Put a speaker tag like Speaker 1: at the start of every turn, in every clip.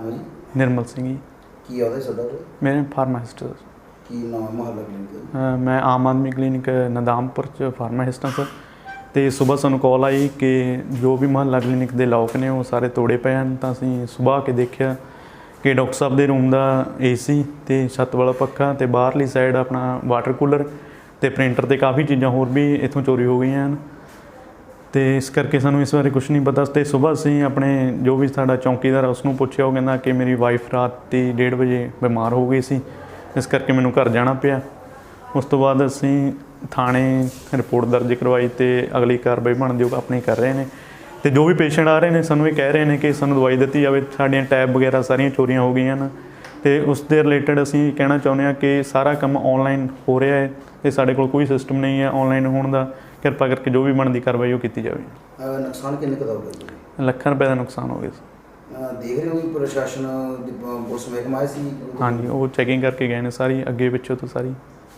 Speaker 1: ਨਾਮ ਹੈ ਜੀ?
Speaker 2: ਨਿਰਮਲ ਸਿੰਘ ਜੀ।
Speaker 1: ਕੀ ਉਹਦਾ ਤੁਹਾਡਾ?
Speaker 2: ਮੇਰੇ ਫਾਰਮਾਸਿਸਟ।
Speaker 1: ਕੀ ਨਾਮ ਹੈ ਮੁਹੱਲਾ ਕਲੀਨਿਕ?
Speaker 2: ਮੈਂ ਆਮ ਆਦਮੀ ਕਲੀਨਿਕ ਨਦਾਮਪੁਰ 'ਚ ਫਾਰਮਾਸਿਸਟ ਹਾਂ ਸਰ। ਅਤੇ ਸੁਬਾਹ ਸਾਨੂੰ ਕਾਲ ਆਈ ਕਿ ਜੋ ਵੀ ਮੁਹੱਲਾ ਕਲੀਨਿਕ ਦੇ ਲੋਕ ਨੇ ਉਹ ਸਾਰੇ ਤੋੜੇ ਪਏ ਹਨ। ਤਾਂ ਅਸੀਂ ਸੁਬਾਹ ਆ ਕੇ ਦੇਖਿਆ ਕਿ ਡਾਕਟਰ ਸਾਹਿਬ ਦੇ ਰੂਮ ਦਾ AC ਅਤੇ ਛੱਤ ਵਾਲਾ ਪੱਖਾ ਅਤੇ ਬਾਹਰਲੀ ਸਾਈਡ ਆਪਣਾ ਵਾਟਰ ਕੂਲਰ ਅਤੇ ਪ੍ਰਿੰਟਰ ਅਤੇ ਕਾफ़ੀ ਚੀਜ਼ਾਂ ਹੋਰ ਵੀ ਇੱਥੋਂ ਚੋਰੀ ਹੋ ਗਈਆਂ ਹਨ। ਅਤੇ ਇਸ ਕਰਕੇ ਸਾਨੂੰ ਇਸ ਬਾਰੇ ਕੁਛ ਨਹੀਂ ਪਤਾ। ਅਤੇ ਸੁਬਾਹ ਅਸੀਂ ਆਪਣੇ ਜੋ ਵੀ ਸਾਡਾ ਚੌਂਕੀਦਾਰ ਉਸਨੂੰ ਪੁੱਛਿਆ, ਉਹ ਕਹਿੰਦਾ ਕਿ ਮੇਰੀ ਵਾਈਫ ਰਾਤੀ 1:30 ਵਜੇ ਬਿਮਾਰ ਹੋ ਗਈ ਸੀ, ਇਸ ਕਰਕੇ ਮੈਨੂੰ ਘਰ ਜਾਣਾ ਪਿਆ। ਉਸ ਤੋਂ ਬਾਅਦ ਅਸੀਂ ਥਾਣੇ ਰਿਪੋਰਟ ਦਰਜ ਕਰਵਾਈ ਅਤੇ ਅਗਲੀ ਕਾਰਵਾਈ ਬਣਦੀ ਉਹ ਆਪਣੀ ਕਰ ਰਹੇ ਨੇ। ਅਤੇ ਜੋ ਵੀ ਪੇਸ਼ੈਂਟ ਆ ਰਹੇ ਨੇ ਸਾਨੂੰ ਇਹ ਕਹਿ ਰਹੇ ਨੇ ਕਿ ਸਾਨੂੰ ਦਵਾਈ ਦਿੱਤੀ ਜਾਵੇ। ਸਾਡੀਆਂ ਟੈਬ ਵਗੈਰਾ ਸਾਰੀਆਂ ਚੋਰੀਆਂ ਹੋ ਗਈਆਂ ਹਨ ਅਤੇ ਉਸ ਦੇ ਰਿਲੇਟਡ ਅਸੀਂ ਕਹਿਣਾ ਚਾਹੁੰਦੇ ਹਾਂ ਕਿ ਸਾਰਾ ਕੰਮ ਔਨਲਾਈਨ ਹੋ ਰਿਹਾ ਹੈ ਅਤੇ ਸਾਡੇ ਕੋਲ ਕੋਈ ਸਿਸਟਮ ਨਹੀਂ ਹੈ ਔਨਲਾਈਨ ਹੋਣ ਦਾ। ਕਿਰਪਾ ਕਰਕੇ ਜੋ ਵੀ ਬਣਦੀ ਕਾਰਵਾਈ ਉਹ ਕੀਤੀ ਜਾਵੇ।
Speaker 1: ਨੁਕਸਾਨ ਕਿੰਨੇ ਕੁ ਦਾ ਹੋ ਗਿਆ?
Speaker 2: ਲੱਖਾਂ ਰੁਪਏ ਦਾ ਨੁਕਸਾਨ ਹੋ ਗਿਆ ਸੀ।
Speaker 1: ਦੇਖ ਰਹੇ ਹੋ ਵੀ ਪ੍ਰਸ਼ਾਸਨ ਦੀ ਪੁਲਿਸ ਮਹਿਕਮਾ ਆਏ ਸੀ?
Speaker 2: ਹਾਂਜੀ, ਉਹ ਚੈਕਿੰਗ ਕਰਕੇ ਗਏ ਨੇ ਸਾਰੀ, ਅੱਗੇ ਪਿੱਛੋਂ ਤੋਂ ਸਾਰੀ।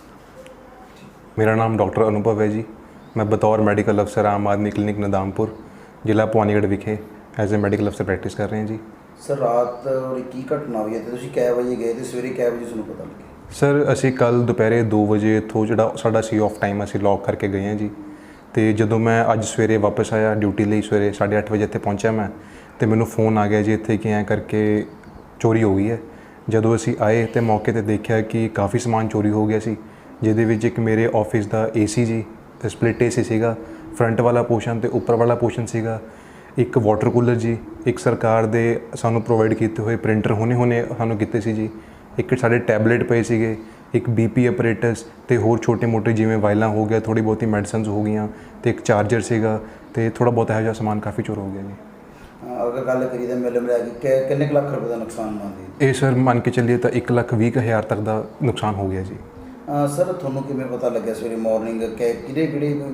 Speaker 3: मेरा नाम डॉक्टर अनुभव है जी। मैं बतौर मेडिकल अफसर आम आदमी क्लिनिक नदामपुर जिला भवानीगढ़ विखे एज ए मेडिकल अफसर प्रैक्टिस कर रहे हैं जी।
Speaker 1: सर रात की घटना हुई है तो कै बजे गए थे, सवेरे कै बजे ਤੁਹਾਨੂੰ ਪਤਾ ਲੱਗਿਆ?
Speaker 3: सर ਅਸੀਂ ਕੱਲ੍ਹ ਦੁਪਹਿਰੇ 2 ਵਜੇ ਇੱਥੋਂ ਜਿਹੜਾ ਸਾਡਾ ਸੀ ਆਫ ਟਾਈਮ ਅਸੀਂ ਲੌਕ ਕਰਕੇ ਗਏ ਹਾਂ ਜੀ। ਅਤੇ ਜਦੋਂ ਮੈਂ ਅੱਜ ਸਵੇਰੇ ਵਾਪਸ ਆਇਆ ਡਿਊਟੀ ਲਈ, ਸਵੇਰੇ 8:30 ਵਜੇ ਇੱਥੇ ਪਹੁੰਚਿਆ ਮੈਂ, ਅਤੇ ਮੈਨੂੰ ਫੋਨ ਆ ਗਿਆ ਜੀ ਇੱਥੇ ਕਿ ਐਂ ਕਰਕੇ ਚੋਰੀ ਹੋ ਗਈ ਹੈ। ਜਦੋਂ ਅਸੀਂ ਆਏ ਤਾਂ ਮੌਕੇ 'ਤੇ ਦੇਖਿਆ ਕਿ ਕਾਫੀ ਸਮਾਨ ਚੋਰੀ ਹੋ ਗਿਆ ਸੀ, ਜਿਹਦੇ ਵਿੱਚ ਇੱਕ ਮੇਰੇ ਆਫਿਸ ਦਾ AC ਜੀ, ਸਪਲਿਟ AC ਸੀਗਾ, ਫਰੰਟ ਵਾਲਾ ਪੋਰਸ਼ਨ ਅਤੇ ਉੱਪਰ ਵਾਲਾ ਪੋਰਸ਼ਨ ਸੀਗਾ, ਇੱਕ ਵਾਟਰ ਕੂਲਰ ਜੀ, ਇੱਕ ਸਰਕਾਰ ਦੇ ਸਾਨੂੰ ਪ੍ਰੋਵਾਈਡ ਕੀਤੇ ਹੋਏ ਪ੍ਰਿੰਟਰ ਹੁਣੇ ਸਾਨੂੰ ਕੀਤੇ ਸੀ ਜੀ, ਇੱਕ ਸਾਡੇ ਟੈਬਲੇਟ ਪਏ ਸੀਗੇ, ਇੱਕ BP ਆਪਰੇਟਸ ਅਤੇ ਹੋਰ ਛੋਟੇ ਮੋਟੇ ਜਿਵੇਂ ਵਾਇਲਾਂ ਹੋ ਗਿਆ, ਥੋੜ੍ਹੀ ਬਹੁਤੀ ਮੈਡੀਸਨਸ ਹੋ ਗਈਆਂ, ਅਤੇ ਇੱਕ ਚਾਰਜਰ ਸੀਗਾ, ਅਤੇ ਥੋੜ੍ਹਾ ਬਹੁਤ ਇਹੋ ਜਿਹਾ ਸਮਾਨ ਕਾਫੀ ਚੋਰ ਹੋ ਗਿਆ ਜੀ।
Speaker 1: ਅਗਰ ਗੱਲ ਕਰੀਏ ਤਾਂ ਮਿਲ ਮਿਲਾ ਕੇ ਕਿੰਨੇ ਕੁ ਲੱਖ ਰੁਪਏ ਦਾ ਨੁਕਸਾਨ ਮੰਨਦੇ?
Speaker 3: ਇਹ ਸਰ ਮੰਨ ਕੇ ਚੱਲੀਏ ਤਾਂ 1,20,000 ਤੱਕ ਦਾ ਨੁਕਸਾਨ ਹੋ ਗਿਆ ਜੀ।
Speaker 1: ਸਰ ਤੁਹਾਨੂੰ ਕਿਵੇਂ ਪਤਾ ਲੱਗਿਆ ਸਵੇਰੇ ਮਾਰਨਿੰਗ ਕਿਹੜੇ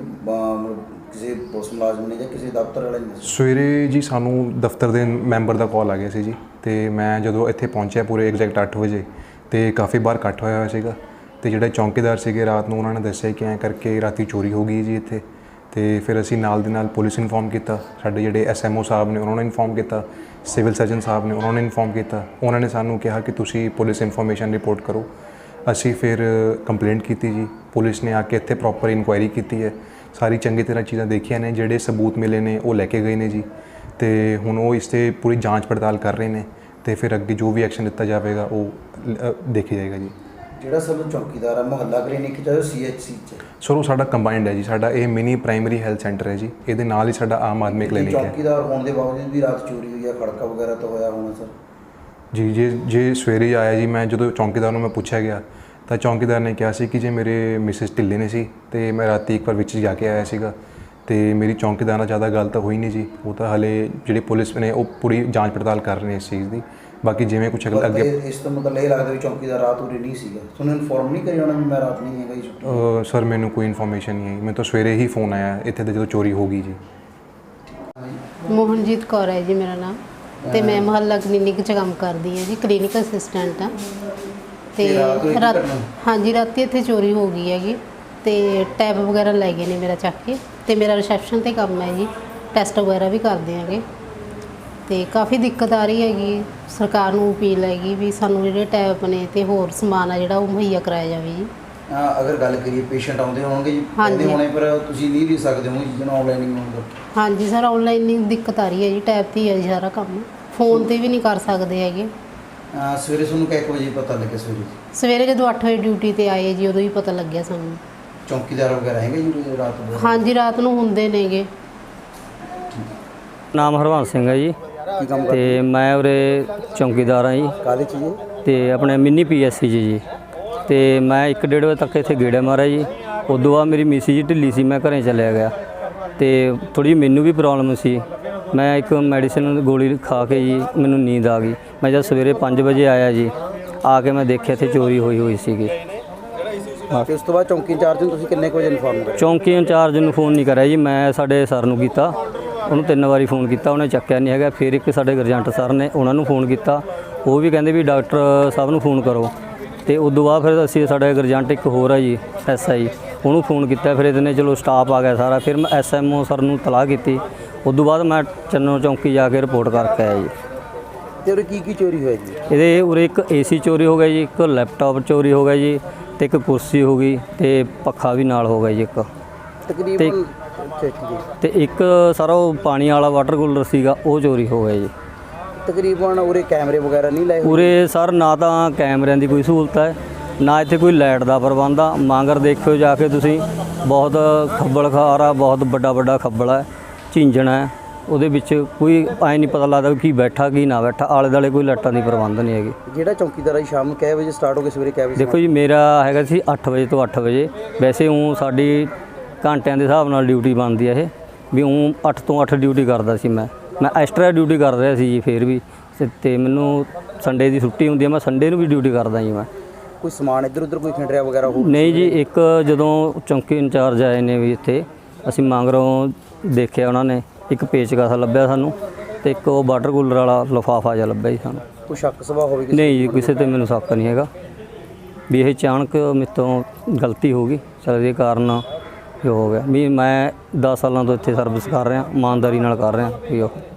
Speaker 1: ਕਿਸੇ ਪੁਲਿਸ ਮੁਲਾਜ਼ਮ ਨੇ ਜਾਂ ਕਿਸੇ ਦਫ਼ਤਰ ਵਾਲੇ ਨੇ?
Speaker 3: ਸਵੇਰੇ ਜੀ ਸਾਨੂੰ ਦਫ਼ਤਰ ਦੇ ਮੈਂਬਰ ਦਾ ਕਾਲ ਆ ਗਿਆ ਸੀ ਜੀ, ਅਤੇ ਮੈਂ ਜਦੋਂ ਇੱਥੇ ਪਹੁੰਚਿਆ ਪੂਰੇ ਐਗਜ਼ੈਕਟ 8 ਵਜੇ, ਅਤੇ ਕਾਫੀ ਬਾਹਰ ਇਕੱਠ ਹੋਇਆ ਸੀ, ਅਤੇ ਜਿਹੜੇ ਚੌਂਕੀਦਾਰ ਸੀਗੇ ਰਾਤ ਨੂੰ ਉਹਨਾਂ ਨੇ ਦੱਸਿਆ ਕਿ ਐਂ ਕਰਕੇ ਰਾਤੀ ਚੋਰੀ ਹੋ ਗਈ ਜੀ ਇੱਥੇ। ਅਤੇ ਫਿਰ ਅਸੀਂ ਨਾਲ ਦੇ ਨਾਲ ਪੁਲਿਸ ਇਨਫੋਰਮ ਕੀਤਾ, ਸਾਡੇ ਜਿਹੜੇ SMO ਸਾਹਿਬ ਨੇ ਉਹਨਾਂ ਨੇ ਇਨਫੋਰਮ ਕੀਤਾ, ਸਿਵਲ ਸਰਜਨ ਸਾਹਿਬ ਨੇ ਉਹਨਾਂ ਨੇ ਇਨਫੋਰਮ ਕੀਤਾ। ਉਹਨਾਂ ਨੇ ਸਾਨੂੰ ਕਿਹਾ ਕਿ ਤੁਸੀਂ ਪੁਲਿਸ ਇਨਫੋਰਮੇਸ਼ਨ ਰਿਪੋਰਟ ਕਰੋ। ਅਸੀਂ ਫਿਰ ਕੰਪਲੇਂਟ ਕੀਤੀ ਜੀ, ਪੁਲਿਸ ਨੇ ਆ ਕੇ ਇੱਥੇ ਪ੍ਰੋਪਰ ਇਨਕੁਆਇਰੀ ਕੀਤੀ ਹੈ, ਸਾਰੀ ਚੰਗੀ ਤਰ੍ਹਾਂ ਚੀਜ਼ਾਂ ਦੇਖੀਆਂ ਨੇ, ਜਿਹੜੇ ਸਬੂਤ ਮਿਲੇ ਨੇ ਉਹ ਲੈ ਕੇ ਗਏ ਨੇ ਜੀ, ਅਤੇ ਹੁਣ ਉਹ ਇਸ 'ਤੇ ਪੂਰੀ ਜਾਂਚ ਪੜਤਾਲ ਕਰ ਰਹੇ ਨੇ, ਅਤੇ ਫਿਰ ਅੱਗੇ ਜੋ ਵੀ ਐਕਸ਼ਨ ਲਿੱਤਾ ਜਾਵੇਗਾ ਉਹ ਦੇਖਿਆ ਜਾਏਗਾ ਜੀ।
Speaker 1: ਜਿਹੜਾ ਸਰ ਚੌਕੀਦਾਰ ਆ ਮੁਹੱਲਾ ਕਲੀਨਿਕ 'ਚ CHC 'ਚ?
Speaker 3: ਸਰ ਉਹ ਸਾਡਾ ਕੰਬਾਈਨਡ ਹੈ ਜੀ, ਸਾਡਾ ਇਹ ਮਿਨੀ ਪ੍ਰਾਇਮਰੀ ਹੈਲਥ ਸੈਂਟਰ ਹੈ ਜੀ, ਇਹਦੇ ਨਾਲ ਹੀ ਸਾਡਾ ਆਮ ਆਦਮੀ ਕਲੀਨਿਕ ਹੈ।
Speaker 1: ਚੌਕੀਦਾਰ ਹੋਣ ਦੇ ਬਾਵਜੂਦ ਵੀ ਰਾਤ ਚੋਰੀ ਹੋਈ ਹੈ, ਖੜਕਾ ਵਗੈਰਾ ਤਾਂ ਹੋਇਆ ਹੋਣਾ ਸਰ?
Speaker 3: ਜੀ ਜੇ ਸਵੇਰੇ ਆਇਆ ਜੀ, ਮੈਂ ਜਦੋਂ ਚੌਕੀਦਾਰ ਨੂੰ ਮੈਂ ਪੁੱਛਿਆ ਗਿਆ ਤਾਂ ਚੌਕੀਦਾਰ ਨੇ ਕਿਹਾ ਸੀ ਕਿ ਜੇ ਮੇਰੇ ਮਿਸਿਸ ਢਿੱਲੇ ਨੇ ਸੀ ਅਤੇ ਮੈਂ ਰਾਤੀ ਇੱਕ ਵਾਰ ਵਿੱਚ ਜਾ ਕੇ ਆਇਆ ਸੀਗਾ, ਅਤੇ ਮੇਰੀ ਚੌਕੀਦਾਰ ਨਾਲ ਜ਼ਿਆਦਾ ਗੱਲ ਤਾਂ ਹੋਈ ਨਹੀਂ ਜੀ। ਉਹ ਤਾਂ ਹਾਲੇ ਜਿਹੜੀ ਪੁਲਿਸ ਨੇ ਉਹ ਪੂਰੀ ਜਾਂਚ ਪੜਤਾਲ ਕਰ ਰਹੇ ਨੇ ਇਸ ਚੀਜ਼ ਦੀ। ਬਾਕੀ ਜਿਵੇਂ ਕੁਛ ਅੱਗੇ
Speaker 1: ਇਸ ਤੋਂ ਮਤਲਬ ਇਹ ਲੱਗਦਾ ਵੀ ਚੌਕੀਦਾਰ ਰਾਤ ਉਰੇ ਨਹੀਂ ਸੀਗਾ, ਤੁਹਾਨੂੰ ਇਨਫੋਰਮ ਨਹੀਂ ਕਰੀ ਉਹਨਾਂ ਵੀ ਮੈਂ ਰਾਤ ਨਹੀਂ ਹੈਗਾ ਜੀ?
Speaker 3: ਸਰ ਮੈਨੂੰ ਕੋਈ ਇਨਫੋਰਮੇਸ਼ਨ ਨਹੀਂ ਆਈ, ਮੈਨੂੰ ਤਾਂ ਸਵੇਰੇ ਹੀ ਫੋਨ ਆਇਆ ਇੱਥੇ ਤੇ ਜਦੋਂ ਚੋਰੀ ਹੋ ਗਈ ਜੀ।
Speaker 4: ਮੋਹਨਜੀਤ ਕੌਰ ਹੈ ਜੀ ਮੇਰਾ ਨਾਮ, ਅਤੇ ਮੈਂ ਮੁਹੱਲਾ ਕਲੀਨਿਕ 'ਚ ਕੰਮ ਕਰਦੀ ਹਾਂ ਜੀ, ਕਲੀਨਿਕ ਅਸਿਸਟੈਂਟ ਹਾਂ। ਅਤੇ ਹਾਂਜੀ ਰਾਤੀ ਇੱਥੇ ਚੋਰੀ ਹੋ ਗਈ ਹੈਗੀ, ਅਤੇ ਟੈਬ ਵਗੈਰਾ ਲੈ ਗਏ ਨੇ ਮੇਰਾ ਚੱਕ ਕੇ, ਅਤੇ ਮੇਰਾ ਰਿਸੈਪਸ਼ਨ 'ਤੇ ਕੰਮ ਹੈ ਜੀ, ਟੈਸਟ ਵਗੈਰਾ ਵੀ ਕਰਦੇ ਹੈਗੇ, ਅਤੇ ਕਾਫੀ ਦਿੱਕਤ ਆ ਰਹੀ ਹੈਗੀ। ਸਰਕਾਰ ਨੂੰ ਅਪੀਲ ਹੈਗੀ ਵੀ ਸਾਨੂੰ ਜਿਹੜੇ ਟੈਬ ਨੇ ਅਤੇ ਹੋਰ ਸਮਾਨ ਆ ਜਿਹੜਾ ਉਹ ਮੁਹੱਈਆ ਕਰਾਇਆ ਜਾਵੇ ਜੀ।
Speaker 1: ਅਗਰ ਗੱਲ ਕਰੀਏ ਪੇਸ਼ੈਂਟ ਆਉਂਦੇ ਹੋਣਗੇ ਜੀ, ਆਉਂਦੇ ਹੋਣੇ, ਪਰ ਤੁਸੀਂ ਨਹੀਂ ਵੀ ਸਕਦੇ ਹੋ ਜਿਹਨਾਂ ਆਨਲਾਈਨ ਹੋਊਗਾ?
Speaker 4: ਹਾਂਜੀ ਸਰ, ਆਨਲਾਈਨ ਦਿੱਕਤ ਆ ਰਹੀ ਹੈ ਜੀ, ਟੈਬ 'ਤੇ ਹੀ ਹੈ ਜੀ ਸਾਰਾ ਕੰਮ, ਫੋਨ 'ਤੇ ਵੀ ਨਹੀਂ ਕਰ ਸਕਦੇ ਹੈਗੇ।
Speaker 1: ਸਵੇਰੇ ਤੁਹਾਨੂੰ ਕਿੰਨੇ ਵਜੇ ਪਤਾ ਲੱਗਿਆ?
Speaker 4: ਸਵੇਰੇ ਜਦੋਂ 8 ਵਜੇ ਡਿਊਟੀ 'ਤੇ ਆਏ ਜੀ ਉਦੋਂ ਹੀ ਪਤਾ ਲੱਗਿਆ ਸਾਨੂੰ।
Speaker 1: ਚੌਕੀਦਾਰ ਵਗੈਰਾ ਹੈਗੇ ਜੀ ਰਾਤ ਨੂੰ?
Speaker 4: ਹਾਂਜੀ ਰਾਤ ਨੂੰ ਹੁੰਦੇ ਨੇਗੇ।
Speaker 5: ਨਾਮ ਹਰਵੰਸ ਸਿੰਘ ਹੈ ਜੀ, ਅਤੇ ਮੈਂ ਉਰੇ ਚੌਕੀਦਾਰ ਹਾਂ ਜੀ।
Speaker 1: ਕਾਹਦੇ 'ਚ ਜੀ?
Speaker 5: ਅਤੇ ਆਪਣੇ ਮਿੰਨੀ PSC ਜੀ। ਅਤੇ ਮੈਂ 1-1:30 ਵਜੇ ਤੱਕ ਇੱਥੇ ਗੇੜਾ ਮਾਰਿਆ ਜੀ। ਉਦੋਂ ਬਾਅਦ ਮੇਰੀ ਮਿਸੀ ਜੀ ਢਿੱਲੀ ਸੀ, ਮੈਂ ਘਰੇ ਚਲਿਆ ਗਿਆ, ਅਤੇ ਥੋੜ੍ਹੀ ਮੈਨੂੰ ਵੀ ਪ੍ਰੋਬਲਮ ਸੀ। ਮੈਂ ਇੱਕ ਮੈਡੀਸਨ ਗੋਲੀ ਖਾ ਕੇ ਜੀ ਮੈਨੂੰ ਨੀਂਦ ਆ ਗਈ। ਮੈਂ ਜਦ ਸਵੇਰੇ 5 ਵਜੇ ਆਇਆ ਜੀ, ਆ ਕੇ ਮੈਂ ਦੇਖਿਆ ਇੱਥੇ ਚੋਰੀ ਹੋਈ ਸੀਗੀ।
Speaker 1: ਉਸ ਤੋਂ ਬਾਅਦ ਚੌਂਕੀ ਇੰਚਾਰਜ ਨੂੰ ਤੁਸੀਂ ਕਿੰਨੇ ਕੁ ਵਜੇ ਇਨਫੋਰਮ ਕਰਿਆ?
Speaker 5: ਚੌਂਕੀ ਇੰਚਾਰਜ ਨੂੰ ਫੋਨ ਨਹੀਂ ਕਰਿਆ ਜੀ, ਮੈਂ ਸਾਡੇ ਸਰ ਨੂੰ ਕੀਤਾ, ਉਹਨੂੰ 3 ਵਾਰੀ ਫੋਨ ਕੀਤਾ, ਉਹਨੇ ਚੱਕਿਆ ਨਹੀਂ ਹੈਗਾ। ਫਿਰ ਇੱਕ ਸਾਡੇ ਗਰਜੰਟ ਸਰ ਨੇ, ਉਹਨਾਂ ਨੂੰ ਫੋਨ ਕੀਤਾ, ਉਹ ਵੀ ਕਹਿੰਦੇ ਵੀ ਡਾਕਟਰ ਸਾਹਿਬ ਨੂੰ ਫੋਨ ਕਰੋ। ਅਤੇ ਉਦੋਂ ਬਾਅਦ ਫਿਰ ਅਸੀਂ ਸਾਡੇ ਗਰਜੰਟ ਇੱਕ ਹੋਰ ਆ ਜੀ SI, ਉਹਨੂੰ ਫੋਨ ਕੀਤਾ। ਫਿਰ ਇਹਦੇ ਚਲੋ ਸਟਾਫ ਆ ਗਿਆ ਸਾਰਾ। ਫਿਰ ਮੈਂ SMO ਸਰ ਨੂੰ ਤਲਾਹ ਕੀਤੀ। ਉਦੋਂ ਬਾਅਦ ਮੈਂ ਚੰਨੋ ਚੌਂਕੀ ਜਾ ਕੇ ਰਿਪੋਰਟ ਕਰਕੇ ਆਇਆ ਜੀ।
Speaker 1: ਤੇ ਉਹਦੇ ਕੀ ਚੋਰੀ ਹੋਇਆ ਜੀ?
Speaker 5: ਇਹਦੇ ਉਰੇ ਇੱਕ ਏਸੀ ਚੋਰੀ ਹੋ ਗਿਆ ਜੀ, ਇੱਕ ਲੈਪਟਾਪ ਚੋਰੀ ਹੋ ਗਿਆ ਜੀ, ਤੇ ਇੱਕ ਕੁਰਸੀ ਹੋ ਗਈ, ਤੇ ਪੱਖਾ ਵੀ ਨਾਲ ਹੋ ਗਿਆ ਜੀ ਇੱਕ।
Speaker 1: ਤਕਰੀਬਨ ਅੱਛਾ ਜੀ।
Speaker 5: ਤੇ ਇੱਕ ਸਾਰਾ ਉਹ ਪਾਣੀ ਵਾਲਾ ਵਾਟਰ ਕੂਲਰ ਸੀਗਾ ਉਹ ਚੋਰੀ ਹੋ ਗਿਆ ਜੀ।
Speaker 1: ਤਕਰੀਬਨ ਉਰੇ ਕੈਮਰੇ ਵਗੈਰਾ ਨਹੀਂ ਲਾਏ ਹੋਏ?
Speaker 5: ਉਰੇ ਸਰ ਨਾ ਤਾਂ ਕੈਮਰਿਆਂ ਦੀ ਕੋਈ ਸਹੂਲਤ ਹੈ, ਨਾ ਇੱਥੇ ਕੋਈ ਲਾਈਟ ਦਾ ਪ੍ਰਬੰਧ ਆ। ਮਾਂਗਰ ਦੇਖਿਓ ਜਾ ਕੇ ਤੁਸੀਂ, ਬਹੁਤ ਖੱਬਲ ਖਾਰ ਆ, ਬਹੁਤ ਵੱਡਾ ਖੱਬਲ ਹੈ, ਝਿੰਜਣ ਹੈ। ਉਹਦੇ ਵਿੱਚ ਕੋਈ ਐਂ ਨਹੀਂ ਪਤਾ ਲੱਗਦਾ ਕੀ ਬੈਠਾ ਕੀ ਨਾ ਬੈਠਾ। ਆਲੇ ਦੁਆਲੇ ਕੋਈ ਲਾਈਟਾਂ ਦੀ ਪ੍ਰਬੰਧ ਨਹੀਂ ਹੈਗੀ।
Speaker 1: ਜਿਹੜਾ ਚੌਕੀਦਾਰ ਹੈ ਸ਼ਾਮ ਨੂੰ ਕਿੰਨੇ ਵਜੇ ਸਟਾਰਟ ਹੋ ਕੇ ਸਵੇਰੇ ਕਿੰਨੇ ਵਜੇ?
Speaker 5: ਦੇਖੋ ਜੀ, ਮੇਰਾ ਹੈਗਾ ਸੀ 8 ਵਜੇ ਤੋਂ 8 ਵਜੇ। ਵੈਸੇ ਉਹ ਸਾਡੀ ਘੰਟਿਆਂ ਦੇ ਹਿਸਾਬ ਨਾਲ ਡਿਊਟੀ ਬਣਦੀ ਹੈ ਇਹ, ਵੀ ਉਹ 8 ਤੋਂ 8 ਡਿਊਟੀ ਕਰਦਾ ਸੀ ਮੈਂ ਐਕਸਟਰਾ ਡਿਊਟੀ ਕਰ ਰਿਹਾ ਸੀ ਜੀ ਫਿਰ ਵੀ। ਤੇ ਮੈਨੂੰ ਸੰਡੇ ਦੀ ਛੁੱਟੀ ਹੁੰਦੀ ਹੈ, ਮੈਂ ਸੰਡੇ ਨੂੰ ਵੀ ਡਿਊਟੀ ਕਰਦਾ ਜੀ ਮੈਂ।
Speaker 1: ਕੋਈ ਸਮਾਨ ਇੱਧਰ ਉੱਧਰ ਕੋਈ ਖਿੰਡਰਿਆ ਵਗੈਰਾ ਹੋ?
Speaker 5: ਨਹੀਂ ਜੀ, ਇੱਕ ਜਦੋਂ ਚੌਂਕੀ ਇੰਚਾਰਜ ਆਏ ਨੇ ਵੀ ਇੱਥੇ, ਅਸੀਂ ਮਾਂਗਰੋਂ ਦੇਖਿਆ, ਉਹਨਾਂ ਨੇ ਇੱਕ ਪੇਚਕਸ ਲੱਭਿਆ ਸਾਨੂੰ, ਤੇ ਇੱਕ ਉਹ ਵਾਟਰ ਕੂਲਰ ਵਾਲਾ ਲਿਫਾਫਾ ਜਿਹਾ ਲੱਭਿਆ ਜੀ ਸਾਨੂੰ।
Speaker 1: ਕੋਈ ਸ਼ੱਕ ਸਵਾ ਹੋਵੇ ਕਿਸੇ?
Speaker 5: ਨਹੀਂ ਜੀ, ਕਿਸੇ ਤੇ ਮੈਨੂੰ ਸ਼ੱਕ ਨਹੀਂ ਹੈਗਾ ਵੀ ਇਹ ਅਚਾਨਕ ਮੇਰੇ ਤੋਂ ਗਲਤੀ ਹੋ ਗਈ। ਚਲ ਇਹਦੇ ਕਾਰਨ ਜੋ ਹੋ ਗਿਆ ਵੀ ਮੈਂ 10 ਸਾਲਾਂ ਤੋਂ ਇੱਥੇ ਸਰਵਿਸ ਕਰ ਰਿਹਾ, ਇਮਾਨਦਾਰੀ ਨਾਲ ਕਰ ਰਿਹਾ ਵੀ ਉਹ